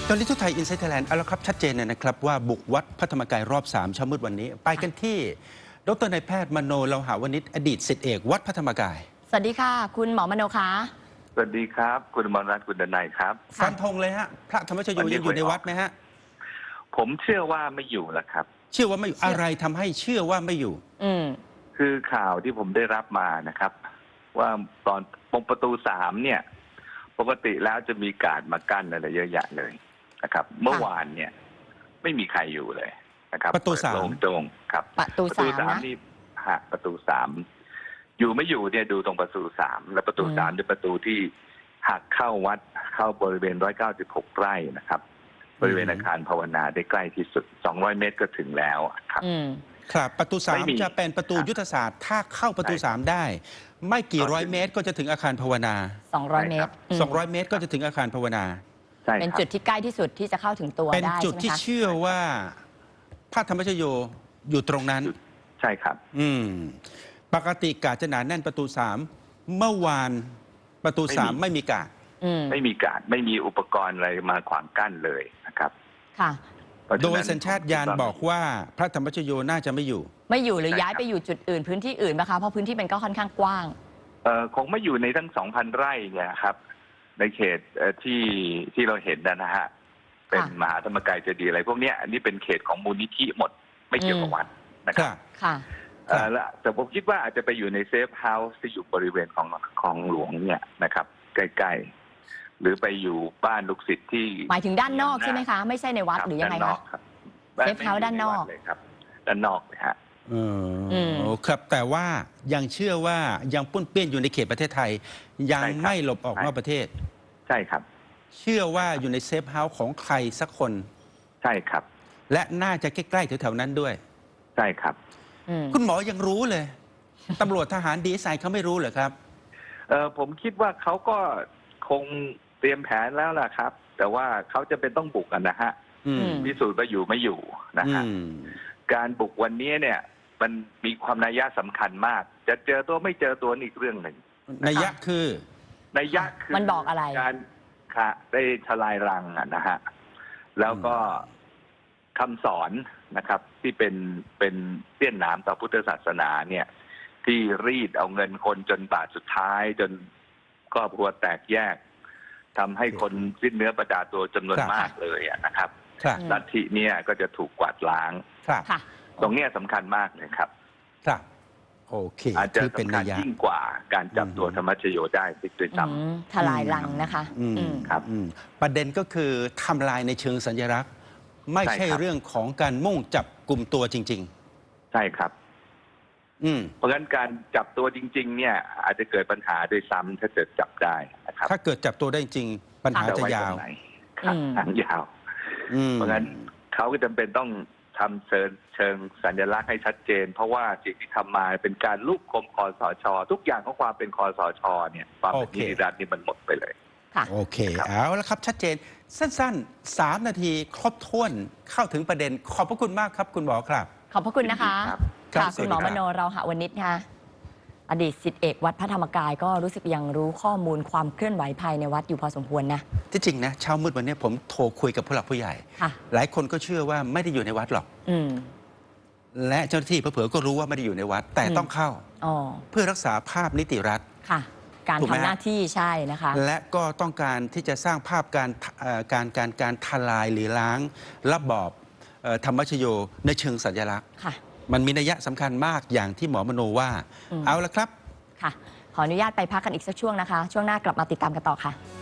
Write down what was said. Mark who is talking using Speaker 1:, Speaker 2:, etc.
Speaker 1: ตอนนี้ทุกไทยอินไซต์ไทยแลนด์เอาละครับชัดเจนนะครับว่าบุกวัดพระธรรมกายรอบ3เช้ามืดวันนี้ไปกันที่ดร.นายแพทย์มโนเลาหาวนิชอดีตศิษย์เอกวัดพระธรรมกาย
Speaker 2: สวัสดีค่ะคุณหมอมโนคะ
Speaker 3: สวัสดีครับคุณมรรัตน์คุณดนัยครับ
Speaker 1: ฟันธงเลยฮะพระธรรมชโยยังอยู่ในวัดไหมฮะ
Speaker 3: ผมเชื่อว่าไม่อยู่แล้วครับ
Speaker 1: เชื่อว่าไม่อยู่อะไรทำให้เชื่อว่าไม่อยู่
Speaker 3: คือข่าวที่ผมได้รับมานะครับ ว่าตอนตรงประตู3เนี่ยปกติแล้วจะมีการ์ดมากั้นอะไรเยอะแยะเลยนะครับเมื่อวานเนี่ยไม่มีใครอยู่เลยนะครับ
Speaker 1: ประตู3
Speaker 3: โล่งๆครับ
Speaker 2: ประตู3
Speaker 3: นี่ประตู3อยู่ไม่อยู่เนี่ยดูตรงประตู3และประตู3เป็นประตูที่หักเข้าวัดเข้าบริเวณ196ไร่นะครับบริเวณอาคารภาวนาได้ใกล้ที่สุด200เมตรก็ถึงแล้วครับ
Speaker 1: ครับประตู3จะเป็นประตูยุทธศาสตร์ถ้าเข้าประตู3ได้ไม่กี่ร้อยเมตรก็จะถึงอาคารภาวนา
Speaker 2: 200 เมตร
Speaker 1: 200 เมตรก็จะถึงอาคารภาวนา
Speaker 2: เป็นจุดที่ใกล้ที่สุดที่จะเข้าถึงตัวได้
Speaker 1: เป็นจุดที่เชื่อว่าพระธรรมชโยอยู่ตรงนั้น
Speaker 3: ใช่ครับ
Speaker 1: ปกติกาดจะหนาแน่นประตู3เมื่อวานประตู3ไม่มีกาด
Speaker 3: ไม่มีการไม่มีอุปกรณ์อะไรมาขวางกั้นเลยนะครับ
Speaker 2: ค่ะ
Speaker 1: โดยสัญชาตญาณบอกว่าพระธรรมชโยน่าจะไม่อยู่
Speaker 2: หรือย้ายไปอยู่จุดอื่นพื้นที่อื่นไหมคะเพราะพื้นที่มันก็ค่อนข้างกว้าง
Speaker 3: คงไม่อยู่ในทั้ง 2,000 ไร่เนี่ยครับในเขตที่เราเห็นนะฮะเป็นมหาธรรมกายเจดีย์อะไรพวกนี้อันนี้เป็นเขตของมูลนิธิหมดไม่เกี่ยวกับวัดนะครับ
Speaker 2: ค่ะ
Speaker 3: แต่ผมคิดว่าอาจจะไปอยู่ในเซฟเฮาส์ที่อยู่บริเวณของหลวงเนี่ยนะครับใกล้ๆหรือไปอยู่บ้านลูกศิษย์ที่
Speaker 2: หมายถึงด้านนอกใช่ไหมคะไม่ใช่ในวัดหรือยังไงคะเซฟเฮาส์ด้านนอก
Speaker 3: เลยครับด้านนอกเลยฮะ
Speaker 1: ครับแต่ว่ายังเชื่อว่ายังปุ้นเปี้ยนอยู่ในเขตประเทศไทยยังไม่หลบออกนอกประเทศ
Speaker 3: ใช่ครับ
Speaker 1: เชื่อว่าอยู่ในเซฟเฮาส์ของใครสักคน
Speaker 3: ใช่ครับ
Speaker 1: และน่าจะใกล้ๆแถวๆนั้นด้วย
Speaker 3: ใช่ครับ
Speaker 1: คุณหมอยังรู้เลยตำรวจทหารดีไซน์เขาไม่รู้เหรอครับ
Speaker 3: ผมคิดว่าเขาก็คงเตรียมแผนแล้วล่ะครับแต่ว่าเขาจะเป็นต้องบุกกันนะฮะพิสูจน์ว่าอยู่ไม่อยู่นะฮะการบุกวันนี้เนี่ยมันมีความนัยยะสำคัญมากจะเจอตัวไม่เจอตัวนี่อีกเรื่องหนึ่ง
Speaker 1: นัยยะคือ
Speaker 2: มันบอกอะไร
Speaker 3: การได้ทลายรังนะฮะแล้วก็คำสอนนะครับที่เป็นเสี้ยนหนามต่อพุทธศาสนาเนี่ยที่รีดเอาเงินคนจนบาทสุดท้ายจนครอบครัวแตกแยกทำให้คนสิ้นเนื้อประดาตัวจำนวนมากเลยนะครับลัทธิเนี่ยก็จะถูกกวาดล้างตรงนี้สำคัญมากเลยครับ
Speaker 1: โอเค
Speaker 3: อาจจะสำคัญยิ่งกว่าการจับตัวธรรมชโยได้ด้วยซ้
Speaker 2: ำทลายรังนะคะ
Speaker 3: ครับ
Speaker 1: ประเด็นก็คือทำลายในเชิงสัญลักษณ์ไม่ใช่เรื่องของการมุ่งจับกลุ่มตัวจริง
Speaker 3: ๆใช่ครับเพราะฉะนั้นการจับตัวจริงๆเนี่ยอาจจะเกิดปัญหาด้วยซ้ำถ้าเกิดจับได้นะครับ
Speaker 1: ถ้าเกิดจับตัวได้จริงปัญหาจะยาว
Speaker 3: ทางยาวเพราะฉะนั้นเขาก็จำเป็นต้องทำเชิงสัญลักษณ์ให้ชัดเจนเพราะว่าสิ่งที่ทำมาเป็นการลูกคมคอสช.ทุกอย่างของความเป็นคอสช.เนี่ยความเป็นนิติรัฐนี่มันหมดไปเลย
Speaker 1: โอเคเอาละครับชัดเจนสั้นๆ3 นาทีครบถ้วนเข้าถึงประเด็นขอบพระคุณมากครับคุณหมอครับ
Speaker 2: ขอบพระคุณนะคะค่ะคุณหมอมโนเราหะวนิชค่ะอดีตศิษย์เอกวัดพระธรรมกายก็รู้สึกยังรู้ข้อมูลความเคลื่อนไหวภายในวัดอยู่พอสมควรนะ
Speaker 1: ที่จริงนะเช้ามืดวันนี้ผมโทรคุยกับผู้หลักผู้ใหญ่หลายคนก็เชื่อว่าไม่ได้อยู่ในวัดหรอกและเจ้าหน้าที่เผลอๆก็รู้ว่าไม่ได้อยู่ในวัดแต่ต้องเข้าเพื่อรักษาภาพนิติรัฐ
Speaker 2: ค่ะการทำหน้าที่ใช่นะคะ
Speaker 1: และก็ต้องการที่จะสร้างภาพการทลายหรือล้างระบอบธรรมชโยในเชิงสัญลักษณ์มันมีนัยยะสำคัญมากอย่างที่หมอมโนว่าเอาละครับ
Speaker 2: ค่ะขออนุญาตไปพักกันอีกสักช่วงนะคะช่วงหน้ากลับมาติดตามกันต่อค่ะ